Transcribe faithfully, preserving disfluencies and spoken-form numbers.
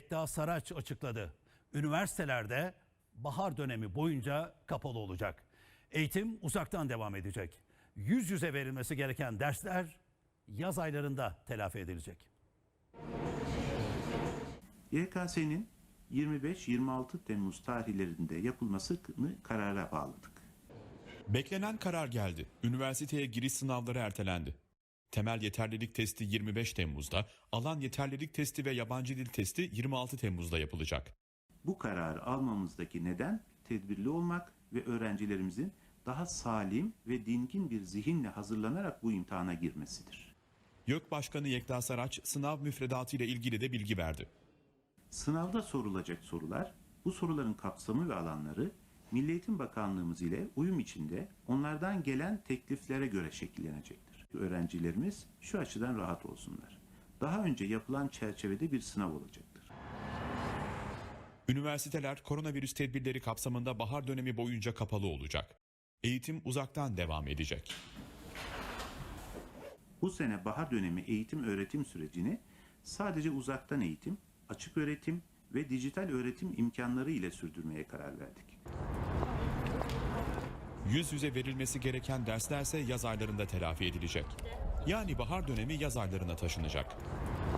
Yekta Saraç açıkladı. Üniversitelerde bahar dönemi boyunca kapalı olacak. Eğitim uzaktan devam edecek. Yüz yüze verilmesi gereken dersler yaz aylarında telafi edilecek. Y K S'nin yirmi beş yirmi altı Temmuz tarihlerinde yapılmasını karara bağladık. Beklenen karar geldi. Üniversiteye giriş sınavları ertelendi. Temel yeterlilik testi yirmi beş Temmuz'da, alan yeterlilik testi ve yabancı dil testi yirmi altı Temmuz'da yapılacak. Bu kararı almamızdaki neden tedbirli olmak ve öğrencilerimizin daha salim ve dingin bir zihinle hazırlanarak bu imtihana girmesidir. YÖK Başkanı Yekta Saraç sınav müfredatı ile ilgili de bilgi verdi. Sınavda sorulacak sorular, bu soruların kapsamı ve alanları Milli Eğitim Bakanlığımız ile uyum içinde onlardan gelen tekliflere göre şekillenecektir. Öğrencilerimiz şu açıdan rahat olsunlar. Daha önce yapılan çerçevede bir sınav olacaktır. Üniversiteler koronavirüs tedbirleri kapsamında bahar dönemi boyunca kapalı olacak. Eğitim uzaktan devam edecek. Bu sene bahar dönemi eğitim öğretim sürecini sadece uzaktan eğitim, açık öğretim ve dijital öğretim imkanları ile sürdürmeye karar verdik. Yüz yüze verilmesi gereken derslerse yaz aylarında telafi edilecek. Yani bahar dönemi yaz aylarına taşınacak.